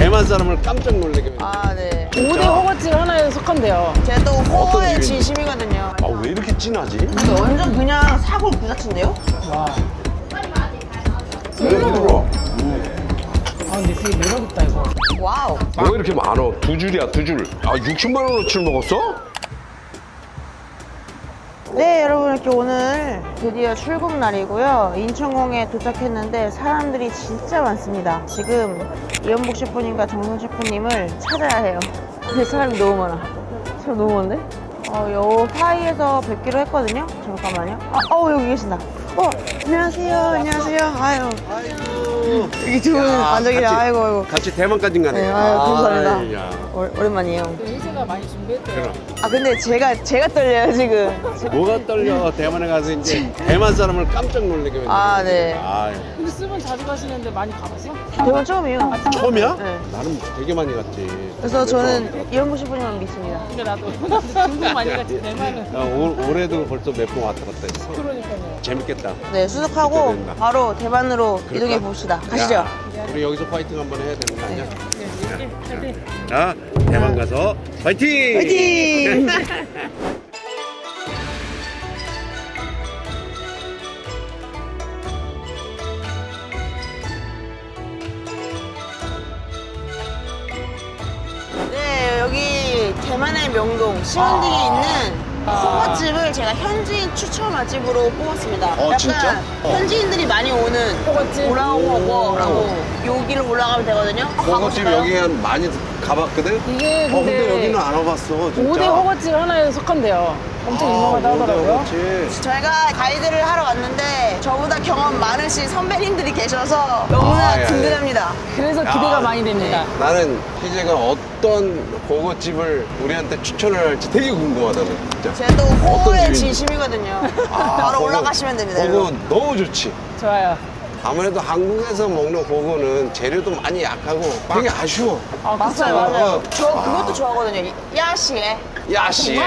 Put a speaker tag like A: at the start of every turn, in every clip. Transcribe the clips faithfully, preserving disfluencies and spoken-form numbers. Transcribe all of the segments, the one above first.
A: 대만 사람을 깜짝 놀래게.
B: 아, 네.
C: 오 대 허거증 하나에 속한대요.
B: 제가 또 호의
A: 이유인지.
B: 진심이거든요.
A: 아, 왜 이렇게 진하지?
B: 근데 완전 그냥 사골 그 자체인데요?
C: 와.
A: 왜 부드러워?
C: 아, 근데 되게 매력있다, 이거.
B: 와우.
A: 왜 이렇게 많어? 두 줄이야, 두 줄. 아, 육십만 원어치를 먹었어?
B: 네, 여러분 이렇게 오늘 드디어 출국 날이고요. 인천공에 도착했는데 사람들이 진짜 많습니다. 지금 이현복 셰프님과 정선 셰프님을 찾아야 해요. 근데 사람이 너무 많아. 사람 너무 많은데? 어, 요 사이에서 뵙기로 했거든요. 잠깐만요. 아, 어, 여기 계신다. 어, 안녕하세요. 안녕하세요. 아유.
A: 아이고.
B: 여기 두 분 앉아 계세요. 아이고, 아이고.
A: 같이 대만까지 가네.
B: 네, 아유, 감사합니다.
A: 아이, 야.
B: 오, 오랜만이에요.
C: 혜지가 많이 준비했대요.
A: 그럼.
B: 아, 근데 제가, 제가 떨려요, 지금.
A: 뭐가 떨려? 대만에 가서 이제 대만 사람을 깜짝 놀래게.
B: 아, 네.
A: 아,
C: 근데 쓰면 자주 가시는데 많이 가봤어?
B: 대본 처음이에요.
A: 처음이야?
B: 네.
A: 나는 되게 많이 갔지.
B: 그래서 저는 이현복 셰프님만 믿습니다.
C: 근데 나도 중국 많이 갔지, 대만은.
A: 야, 올, 올해도 벌써 몇 번 왔다 갔다 했어.
C: 그러니까요.
A: 재밌겠다.
B: 네, 수속하고
A: 기대된다.
B: 바로 대만으로 이동해 봅시다. 가시죠.
A: 야, 우리 여기서 파이팅 한번 해야 되는 거 아니야?
C: 네, 이렇게.
A: 자, 대만 가서 파이팅!
B: 화이팅! 네, 여기 대만의 명동 시원딩에 있는 호거집을 제가 현지인 추천 맛집으로 뽑았습니다.
A: 어,
B: 약간
A: 진짜? 어.
B: 현지인들이 많이 오는
C: 호거집?
B: 오라오호거라고 여기를 올라가면 되거든요.
A: 호거집 여기 한 많이 가봤거든?
C: 이게
A: 어, 근데
C: 근데
A: 여기는 안 와봤어, 진짜.
C: 오 대 허거증 하나에 속한대요. 엄청
A: 아,
C: 유명하다 하더라고요.
A: 호거집.
B: 저희가 가이드를 하러 왔는데 저보다 경험 많으신 선배님들이 계셔서 너무나
A: 아, 예, 예.
B: 든든합니다.
C: 그래서 기대가
A: 야,
C: 많이 됩니다.
A: 나는 희재가 어떤 호거집을 우리한테 추천을 할지 되게 궁금하다, 진짜.
B: 제가 또 호의
A: 어떤 집인지.
B: 진심이거든요.
A: 아,
B: 바로
A: 호거-
B: 올라가시면 됩니다.
A: 호거
B: 여러분.
A: 너무 좋지.
C: 좋아요.
A: 아무래도 한국에서 먹는 호거는 재료도 많이 약하고 되게 아쉬워.
C: 아,
B: 맞아요, 맞아요.
A: 어.
B: 저 그것도 좋아하거든요. 야시에.
A: 야씨.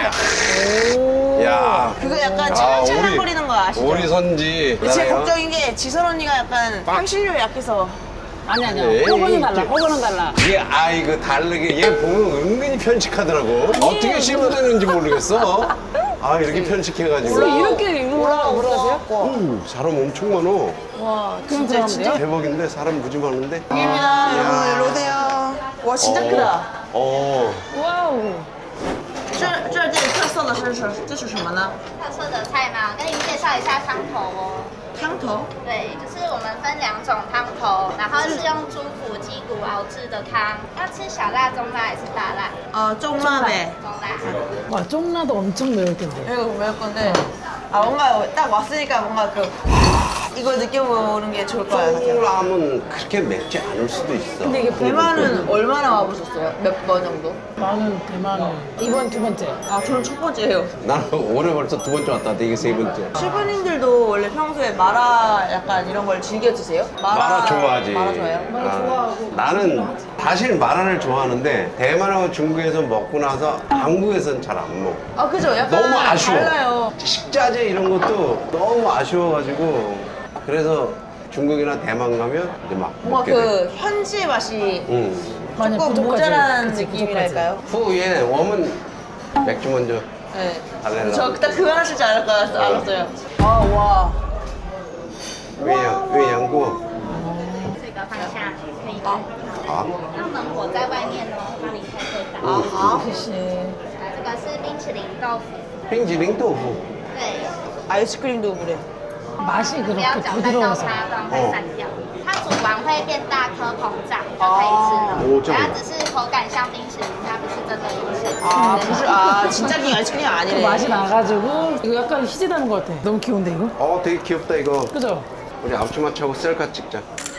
C: 오.
A: 야.
B: 그거 약간
A: 아,
B: 찰랑찰랑거리는 거 아시죠?
A: 오리 선지.
B: 근데 제
A: 나네요.
B: 걱정인 게 지선 언니가 약간 향신료 약해서
C: 아니, 아니요.
A: 에이,
C: 허거는 달라,
A: 이게-
C: 허거는 달라.
A: 얘 아이 그 다르게 얘 보면 은근히 편식하더라고. 어떻게 씹어내는지 모르겠어. 아 이렇게 편식해가지고.
C: 원래 이렇게 올라가고 그러세요?
A: 오, 사람 엄청 많어.
B: 와,
C: 그럼
B: 진짜
C: 들어가면
B: 진짜
C: 돼요?
A: 대박인데 사람 무지 많은데.
B: 입니다. 여러분 일로 오세요. 와, 진짜
A: 어.
B: 크다.
A: 어.
C: 와우.
B: 这这店特色的是什这是什么呢？
D: 特色的菜吗？我跟您介绍一下汤头哦。
B: 汤头。
D: 对，就是我们分两种汤头，然后是用猪骨、鸡骨熬制的汤。要吃小辣、中辣还是大辣？
B: 어, 쫑라베.
D: 中辣。
C: 와, 쫑나도 엄청 매울 텐데.
B: 이거 매울 건데. 아, 뭔가 딱 왔으니까 뭔가 그 이거 느껴보는 게 좋을 것 같아요.
A: 콩라면 그렇게 맵지 않을 수도 있어.
B: 근데 이게 대만은 얼마나 와보셨어요? 몇 번 정도?
C: 나는 대만은 이번 두 번째.
B: 아, 저는 첫 번째예요.
A: 나는 올해 벌써 두 번째 왔다. 이게 세 번째.
B: 셰프님들도 원래 평소에 마라 약간 이런 걸 즐겨 드세요?
A: 마라 좋아하지.
B: 마라 좋아해요?
A: 아, 나는 사실 마라를 좋아하는데 대만하고 중국에서 먹고 나서 한국에서는 잘 안 먹어.
B: 아, 그죠? 약간
A: 너무 아쉬워.
B: 달라요.
A: 식자재 이런 것도 너무 아쉬워가지고 그래서 중국이나 대만 가면 이제 막
B: 뭔가
A: 먹게 돼.
B: 그 현지의 맛이
A: 응.
C: 많이
B: 조금
C: 부족하지.
B: 모자란
C: 그치,
B: 느낌이랄까요?
A: 후에 웜은 맥주 먼저
B: 네.
A: 달래라.
B: 저 그때 그거 하실 줄 알았, 알았어요. 아, 와.
A: 외양 외양고
D: 这个放下去可以。
B: 好。
A: 好
D: 那门火在外面哦，帮你开会打。
B: 啊，好。
C: 씨.
D: 这个是冰淇淋豆腐。
A: 빙지링豆腐.
D: 对，
B: 아이스크림도 그래.
C: 맛이
D: 不要
C: 그렇게
D: 搅拌到
C: 부드러워서.
D: 它，不然会散掉。它煮完会变大颗膨胀，就可以吃了。
A: 哦这样
D: 它只是口感像冰淇淋，它不是真的影响。
B: 아, 무슨, 아, 진짜 긴 아이스크림
C: 그
B: 아니네.
C: 맛이 나가지고 이거 약간 희재다는 것 같아. 너무 귀여운데 이거?
A: 어 되게 귀엽다 이거.
C: 그죠?
A: 우리 앞치마차고 셀카 찍자.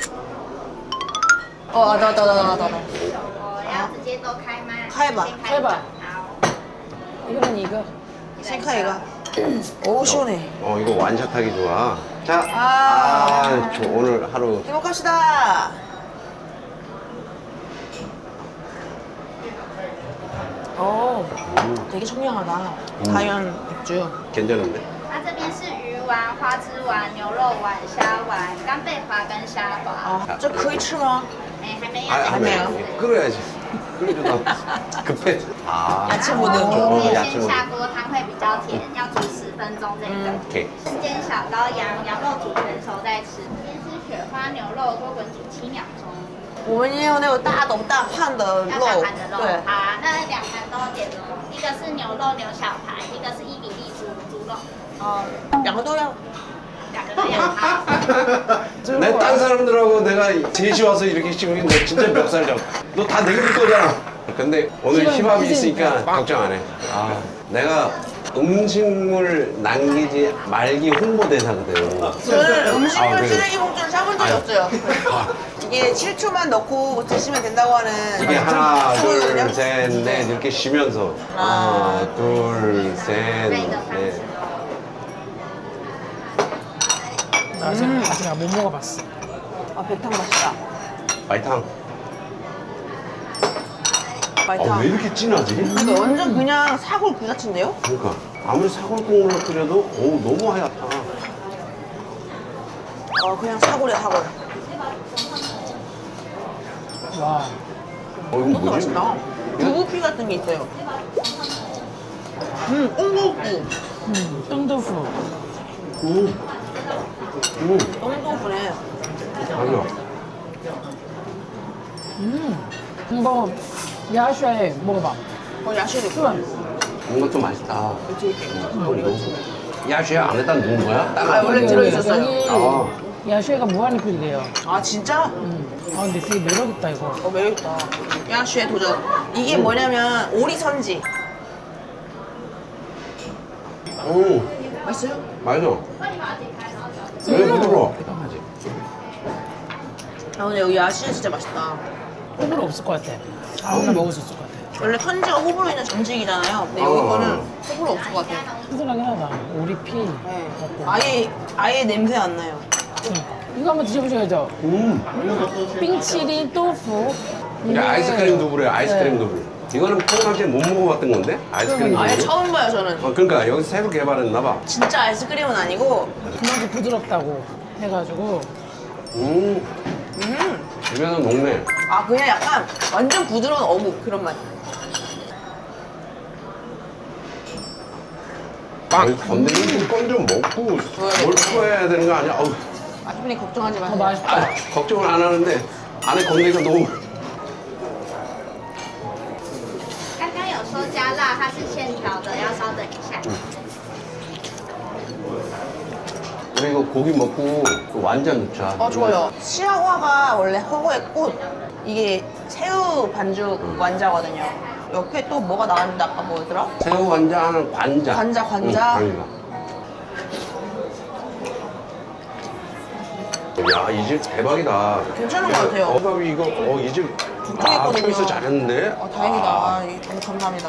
B: 어, 나, 나, 나, 나, 나, 나.
D: 我要直接都开吗？
B: 开吧
D: 先
C: 开吧
D: 好。
C: 이거는 이거.
B: 생카이가. 오, 시원해.
A: 어 이거 완샷하기 좋아. 자,
B: 아.
A: 아, 저 오늘 하루
B: 행복합시다. 어, 되게 청량하다. 자연 맥주.
A: 괜찮은데?
D: 它这边是鱼丸、花枝丸、牛肉丸、虾丸、干贝滑跟虾滑。
B: 아, 这可以吃吗？
D: 哎，还没有。
A: 아, 안 해.
B: 아니에요.
A: 끓여야지. 끓여주다. 급해. 아.
B: 야채 모드.
A: 哦
D: 可以
A: 야채
D: 先
A: 모드.
D: 下锅，汤会比较甜，要煮十分钟这个。
A: 오케이.
D: 煎小羔羊，羊肉煮全熟再吃。先吃雪花牛肉，锅滚煮七秒钟。
B: 我们也有那种大斗大判的
D: 要
B: 肉，
D: 大盘的肉，
B: 对，
D: 好啊，那两盘都点哦。一个是牛肉牛小排，一个是伊比利猪猪肉，
B: 啊，两个都要。
D: 两个都要。好。
A: 내 딴 사람들하고 내가 셋이 와서 이렇게 찍으면 너 진짜 멱살 잡아. 너 다 내가 줄 거잖아. 근데 오늘
C: 시간
A: 힙합이
C: 있으니까.
A: 있으니까 걱정 안 해. 아, 내가 음식물 남기지 말기 홍보대사거든.
B: 저는 음식물
A: 아, 그래요?
B: 쓰레기 봉투를 사본 적이
A: 아유.
B: 없어요. 이게 칠 초만 넣고 드시면 된다고 하는
A: 이게 하나,
B: 거거든요.
A: 둘, 셋, 넷 이렇게 쉬면서 하나, 둘, 셋, 넷.
C: 나 아직, 아직 못 먹어봤어.
B: 아, 배탕 맛있다.
A: 말탕.
B: 말탕.
A: 아, 왜 이렇게 진하지?
B: 이거 완전 그냥 사골 그 자체인데요?
A: 그러니까 아무리 사골국물로 끓여도 오 너무 하얗다.
B: 어, 그냥 사골이야, 사골.
C: 와.
A: 어 이거
B: 이것도
A: 뭐지?
B: 맛있다. 두부피 같은 게 있어요. 음, 꽁두부.
C: 음, 똥도fu.
A: 음. 음.
B: 꽁두부네.
A: 맞아.
C: 음. 한번 야샤에 먹어봐.
B: 어, 야채도 있고.
C: 수원.
A: 이것도 맛있다. 또 이거. 야채 안에다 넣은 거야? 딱
B: 아, 원래 들어있었어요.
C: 여기
A: 아.
C: 야샤가 무한리필이래요.
B: 아, 진짜?
C: 음. 아 근데 되게 매력있다 이거.
B: 어, 매력있다. 야채 도전. 이게 뭐냐면 오리 선지.
A: 음.
B: 맛있어요?
A: 맞아. 왜 부드러워?
B: 아, 근데 여기 야채 진짜 맛있다.
C: 호불호 없을 것 같아. 아무나 먹을 수 있을 것 같아.
B: 원래 선지가 호불호 있는 정식이잖아요. 근데 여기
A: 어.
B: 거는 호불호 없을 것 같아요.
C: 튼튼하긴 하다. 오리피.
B: 네.
C: 먹고.
B: 아예, 아예 냄새 안 나요.
C: 응. 이거 한번 드셔보셔야죠.
A: 음.
C: 빙치리 또프.
A: 이게 아이스크림 두부래요. 아이스크림 두부. 이거는 평상시에 못 먹어봤던 건데? 아이스크림 두부.
B: 아예 처음 봐요, 저는.
A: 어, 그러니까 여기서 새로 개발했나 봐.
B: 진짜 아이스크림은 아니고,
C: 그만큼 부드럽다고 해가지고.
A: 음.
B: 음.
A: 입에서 녹네.
B: 아, 그냥 약간 완전 부드러운 어묵 그런 맛.
A: 아니, 건드리는 건좀 먹고 뭘 풀어야 되는 거 아니야? 어우,
B: 아주머니 걱정하지
C: 더
B: 마세요.
C: 맛있다.
A: 아, 걱정을 안 하는데 안에 건드리가 너무.
D: 刚刚有说加辣，它是现调的，要稍等一下。
A: 우리 이거 고기 먹고 그 완자 넣자.
B: 어, 좋아요. 시아화가 원래 허거의 꽃. 이게 새우 반죽 완자거든요. 옆에 또 뭐가 나왔는데 아까 뭐였더라?
A: 새우 완자는 관자.
B: 관자, 관자.
A: 응, 관자. 야, 이 집 대박이다.
B: 괜찮은 것 같아요.
A: 어, 밥이 이거, 어, 이 집. 아,
B: 북쪽이거든요.
A: 초이스 잘했는데?
B: 아, 다행이다.
A: 아,
B: 아, 이- 너무 감사합니다.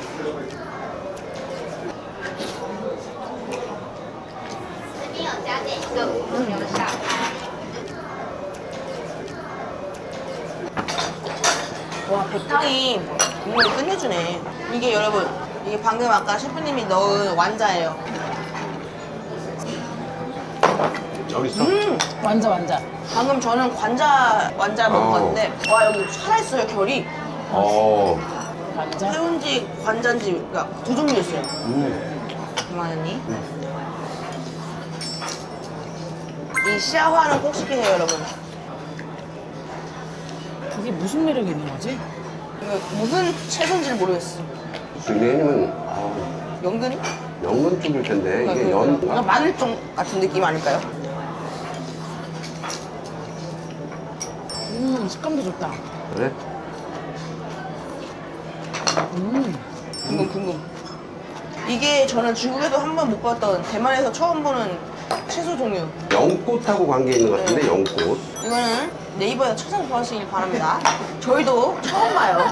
D: 这边有加点一个五牛小排。
B: 와, 배탕이 국물이 끝내주네. 이게 여러분, 이게 방금 아까 셰프님이 넣은 완자예요.
A: 여기 있어.
B: 음!
C: 완자 완자.
B: 방금 저는 관자 완자
A: 어.
B: 먹었는데 와 여기 살아있어요 결이.
A: 어.
C: 완자.
B: 새우인지 관자인지 그러니까 두 종류 있어요.
A: 음.
B: 이만하니? 이 시아화는 꼭 시키세요 여러분.
C: 이게 무슨 매력이 있는 거지?
B: 이거 무슨 채소인지 모르겠어.
A: 왜냐면, 아,
B: 연근이?
A: 연근 쪽일 텐데, 이게
B: 그러니까
A: 연.
B: 마늘종 같은 느낌 아닐까요?
C: 음 식감도 좋다.
A: 그래?
C: 음.
B: 궁금 궁금. 이게 저는 중국에도 한 번 못 봤던 대만에서 처음 보는 채소 종류.
A: 연꽃하고 관계 있는 것 같은데,
B: 네.
A: 연꽃.
B: 이거는 네이버에서 찾아보시길 바랍니다. 저희도 처음 봐요.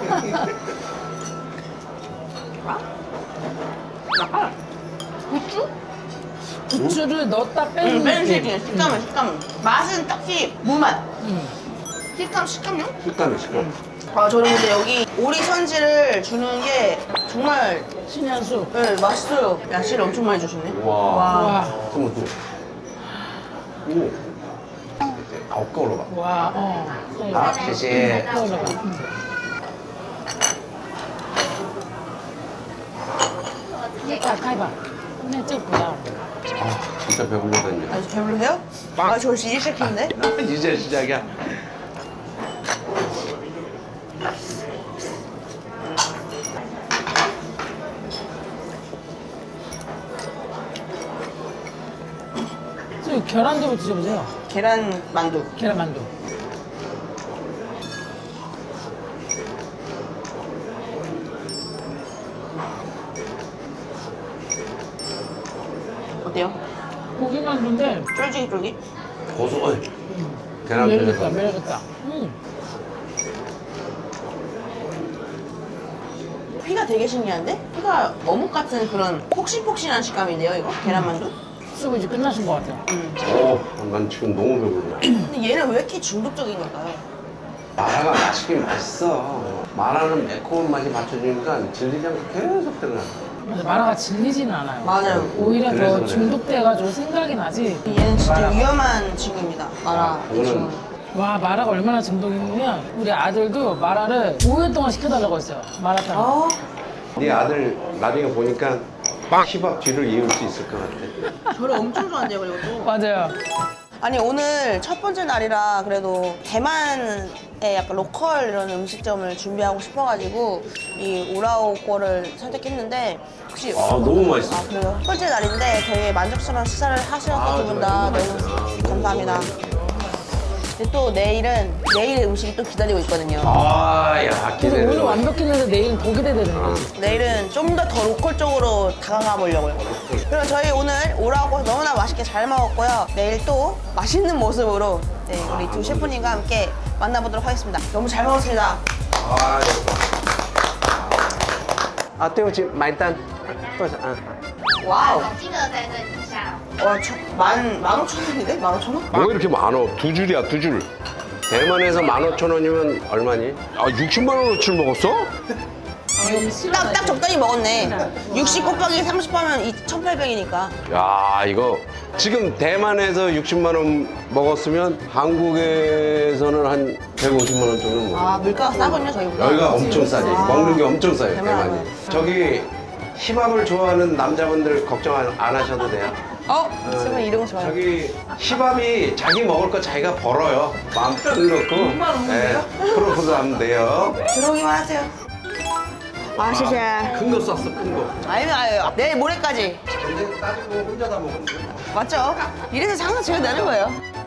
B: 아? 약간 부추?
C: 부추를 넣었다
B: 응,
C: 빼는
B: 빼는
C: 느낌.
B: 식이에요. 식감은 식감은. 맛은 딱히 무맛.
C: 음.
B: 식감 식감요?
A: 식감이 식감.
B: 아 저는 근데 여기 오리 선지를 주는 게 정말
C: 신의 한 수.
B: 네, 맛있어요. 야채를 엄청 많이 주시네.
A: 와.
C: 와.
A: 한번 또. 오. 好够了吧？
C: 와, 어.
A: 好，谢谢。
C: 아, 가위바. 근데 저 뭐야?
A: 아, 진짜 배불러졌네.
B: 아주 배불러요? 아, 저 이제 시작했는데?
A: 이제 시작이야.
C: 저 계란 좀 드셔보세요.
B: 계란 만두.
C: 계란 만두.
B: 어때요?
C: 고기 만두인데
B: 쫄깃쫄깃?
A: 고소. 어이. 계란
C: 매력있다,
A: 편에서.
C: 매력있다. 음.
B: 피가 되게 신기한데? 피가 어묵 같은 그런 폭신폭신한 식감인데요, 이거? 계란 만두?
C: 쓰고 이제 끝나신 것 같아요.
A: 오, 난 지금 너무 배불러.
B: 근데 얘는 왜 이렇게 중독적인 걸까요?
A: 마라가 맛있긴 맛있어. 마라는 매콤한 맛이 맞춰주니까 질리지 않고 계속 들어가.
C: 근데 마라가 질리지는 않아요.
B: 맞아요.
C: 오히려
A: 그래서
C: 더
A: 그래요.
C: 중독돼가지고 생각이 나지.
B: 얘는 진짜 위험한 친구입니다. 마라. 이
A: 이거는-
B: 친구는.
C: 와, 마라가 얼마나 중독이냐면 우리 아들도 마라를 오 일 동안 시켜달라고 했어요. 마라탕.
B: 아,
A: 네 아들 나중에 보니까 힙합 뒤를 이을 수 있을 것 같아.
B: 저를 엄청 좋아한대요, 그리고 또.
C: 맞아요.
B: 아니, 오늘 첫 번째 날이라 그래도 대만의 약간 로컬 이런 음식점을 준비하고 싶어가지고 이 우라오 거를 선택했는데 혹시
A: 아, 너무 맛있어.
B: 아, 그래요? 첫 번째 날인데 되게 만족스러운 식사를 하셔서
A: 아,
B: 두 분 다
A: 정말
B: 너무
A: 너무 맛있어.
B: 감사합니다.
A: 너무
B: 근데 또 내일은 내일의 음식이 또 기다리고 있거든요.
A: 아, 야,
C: 그래서
A: 기대돼.
C: 오늘 완벽했는데 내일은 더 기대되는 거지.
B: 내일은 좀 더 더 로컬 쪽으로 다가가 보려고요. 그리고 저희 오늘 오라고 너무나 맛있게 잘 먹었고요. 내일 또 맛있는 모습으로 네, 우리 두 셰프님과 함께 만나보도록 하겠습니다. 너무 잘 먹었습니다.
A: 아, 아, 对不起，买单。多少啊？
B: 와우.
D: 金额在这底下。
B: 와, 저, 만, 만 오천 원인데? 만 오천 원?
A: 뭐 이렇게 많어? 두 줄이야, 두 줄. 대만에서 만 오천 원이면 얼마니? 아, 육십만 원어치를 먹었어?
B: 딱, 딱 적당히 먹었네. 육십 곱하기 삼십 하면 이 천팔백이니까.
A: 야, 이거 지금 대만에서 육십만 원 먹었으면 한국에서는 한 백오십만 원 정도 먹어.
B: 아, 물가가 싸군요, 저희보다.
A: 여기가 엄청 싸지.
B: 아.
A: 먹는 게 엄청 싸요,
B: 대만은.
A: 대만이. 저기 힙합을 좋아하는 남자분들 걱정 안, 안 하셔도 돼요.
B: 어? 쓰면 이런 거 좋아요.
A: 저기 힙합이 자기 먹을 거 자기가 벌어요. 마음 딱 넣고. 네, 프로포즈 하면 돼요.
B: 들어오기만 하세요. 아, 시시.
A: 큰 거 쐈어, 큰 거.
B: 아니면, 아유, 내일 모레까지.
A: 근데 따지고 혼자 다 먹었어.
B: 맞죠? 이래서 장사 제일 나는 거예요.